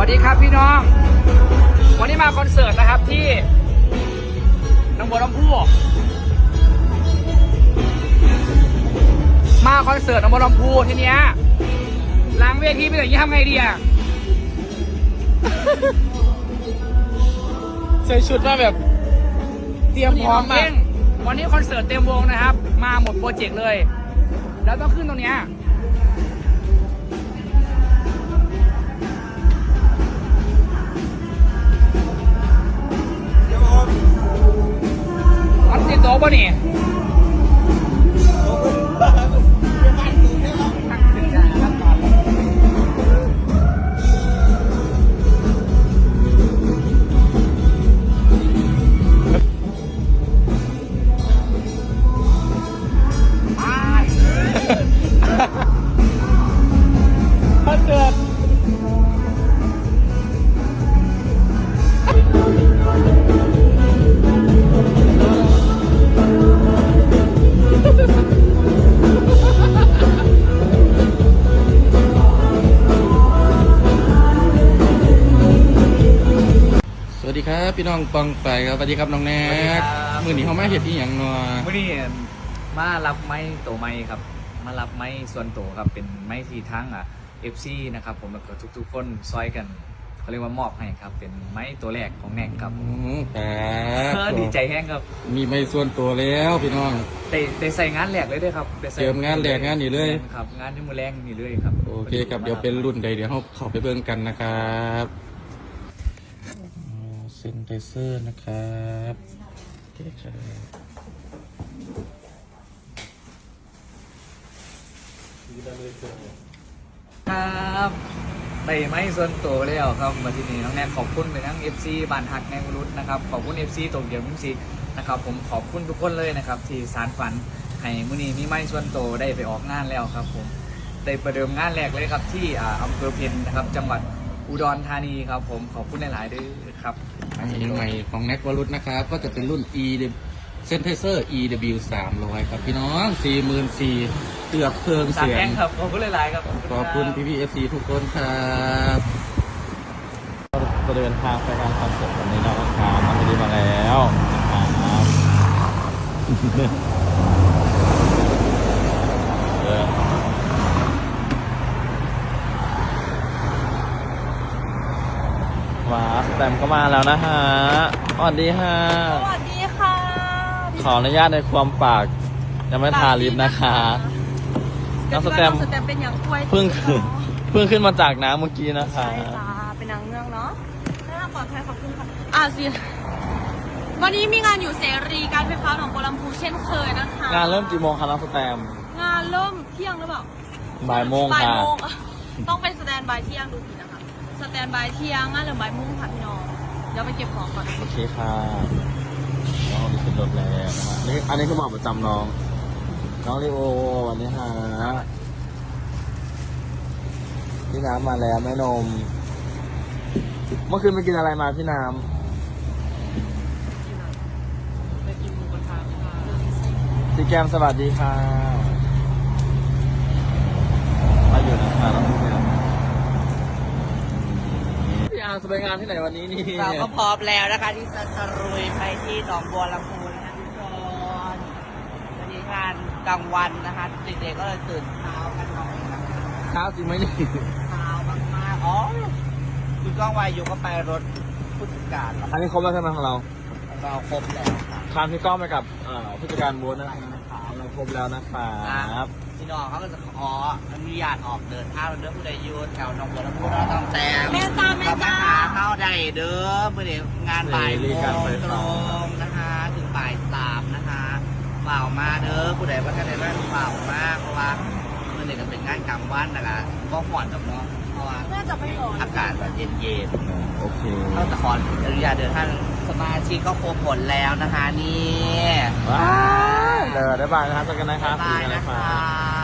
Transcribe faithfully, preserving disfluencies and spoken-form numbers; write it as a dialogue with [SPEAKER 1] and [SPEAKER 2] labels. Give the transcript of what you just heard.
[SPEAKER 1] วัสดีครับพี่น้องวันนี้มาคอนเสิร์ตนะครับที่หนองบัวลำพูมาคอนเสิร์ตหนองบัวลำพูทีเนี้ยล้างเวทีไปอย่างนี้ทำไงดีอะ
[SPEAKER 2] ใส่ชุดมาแบบเตรียมพร้อมมาก
[SPEAKER 1] วันนี้คอนเสิร์ตเต็มวงนะครับมาหมดโปรเจกต์เลยแล้วต้องขึ้นตรงเนี้ยมันติดโต๊ะป่ะนี่
[SPEAKER 2] ถ้าเกิดสวัสดีครับพี่น้องปองไปครับสวัสดีครับน้องแนกมือนี้เขามาเห็ดอีหยังเนาะ
[SPEAKER 1] มื่อนี้มารับไม้โตไม้ครับมารับไม้ส่วนโตครับเป็นไม้ที่ทั้งอ่ะ เอฟ ซี นะครับผมแล้วก็ทุกๆคนซอยกันเขาเรียกว่ามอบให้ครับเป็นไม้ตัวแรกของแนกครับครับดีใจแห้งครับ
[SPEAKER 2] มีไม้ส่วนตัวแล้วพี่น้อง
[SPEAKER 1] ได้ได้ใส่งานแหลกเลยด้วยครับ
[SPEAKER 2] เติมงานแหลกงานนี่เลย
[SPEAKER 1] ครับงานที่มือแรงนี่เลยครับ
[SPEAKER 2] โอเคครับเดี๋ยวเป็นรุ่นใดเดี๋ยวเราเข้าไปเบิ่งกันนะครับเซนไทเซอร์นะครับโอเคครับ
[SPEAKER 1] ครับได้ไม้ส่วนตัวแล้วครับมาที่นี่น้องแนกขอบคุณไปทั้ง เอฟ ซี บ้านฮักแนงรุดนะครับขอบคุณ เอฟ ซี โตเกียวมิวสิกนะครับผมขอบคุณทุกคนเลยนะครับที่สานฝันให้มื้อนี้มีไม้ส่วนตัวได้ไปออกงานแล้วครับผมได้ประเดิมงานแรกเลยครับที่อำเภอเพ็ญนะครับจังหวัดอุดรธานีครับผมขอบคุณหลายๆด้วยครับ
[SPEAKER 2] อันนี้ใหม่ของแน็กวรุษนะครับก็จะเป็นรุ่น E เซนเทเซอร์ อี ดับเบิลยู สามร้อยครับพี่น้อง สี่หมื่นสี่พัน เกือบเพิ่มเสียง
[SPEAKER 1] ครับขอบคุณหลายๆครับ
[SPEAKER 2] ขอบคุณพี่พี่ เอฟ ซี ทุกคนครับจะเดินทางไปงานคอนเสิร์ตวันนี้นะครับมาไม่ได้มาแล้วนะครับว้าสแตมก็มาแล้วนะฮะสวัสดีฮะ
[SPEAKER 3] สวัสดีค่ะ
[SPEAKER 2] ขออนุญาตในความปากยังไม่ทาลิปนะคะน้องสแตม
[SPEAKER 3] เป็นอย่างกล้วย
[SPEAKER 2] เพิ่งขึ้นเพิ่งขึ้นมาจากน้ำเมื่อกี้นะคะ
[SPEAKER 3] ใช่จ้าเป็นนางเงือกเนาะน่าปลอดภัยขอบคุณค่ะอ่าสิวันนี้มีงานอยู่เสรีการไฟฟ้าหนองบัวลำพูเช่นเคยนะคะ
[SPEAKER 2] งานเริ่มกี่โมงคะน้องสแตม
[SPEAKER 3] งานเริ่มเที่ยงหรือเปล่า
[SPEAKER 2] บ่ายโมงค่ะ
[SPEAKER 3] ต้องเป็นสแตนบายเที่ยงดูผิดนะคะสแตนบายเที่ยงงานเริ่มบ่ายโมงค่ะพี่น้องเดี๋ยวไปเก็บของก่อน
[SPEAKER 2] โอเคค่ะน้องนี่ขึ้นรถแล้วนะนี่อันนี้คือบอกประจำน้องน้องลีโอวันนี้ฮะพี่น้ำมาแล้วแม่นมเมื่อคืนไปกินอะไรมาพี่น้ำ
[SPEAKER 3] ไปกินหมูกระทะค่ะ
[SPEAKER 2] ซีแกมสวัสดีค่ะมาอยู่นะคะน้องพี่น้ำพี่อาร์จะไปงานที่ไหนวันนี้นี่
[SPEAKER 3] เราก็พร้อมแล้วนะคะที่จะตรุยไปที่หนองบัวลำพูนะคะทุกคนวันนี้งานกลางวันนะคะเด็กๆก็เลยตื่นเช้ากันหน่อยนะคะ
[SPEAKER 2] เช้าจริงไหมนี่
[SPEAKER 3] เช้ามากๆอ๋อคุณก้องวายุก็ไปรถผู้จัดการ
[SPEAKER 2] อันนี้ครบแล้วใช่ไหมของเรา
[SPEAKER 3] เราครบแล้ว
[SPEAKER 2] ทานพี่ก้องไปกับผู้จัดการบูธนะครับเราครบแล้วนะครับ
[SPEAKER 3] พี่น้องเขาก็จะขออนุญาตออกเดินทางเดินผู้ใดยูแถวหนองบัวลำพูเราต้องแต่แม่จ้าแม่จ้าหาเข้าได้เด้อเมื่อเดี๋ยวงานบ่ายโมงตรงนะคะถึงบ่ายสามนะคะเปล่ามาเด้อผู้ใดว่าจะได้บ้านเปล่ามากเพราะว่าเมื่อเดี๋ยวจะเป็นงานกลางวันนะคะก็ห่อนกับเนาะเพราะว่าอากาศแบบเย็น
[SPEAKER 2] ๆโอเค
[SPEAKER 3] เราจะขออนุญาตเดินทางสมาชิกก็ครบหมดแล้วนะคะนี่
[SPEAKER 2] ว้าวเดี๋ยวได้บายนะครับเจอกันนะครับ
[SPEAKER 3] บายนะคะ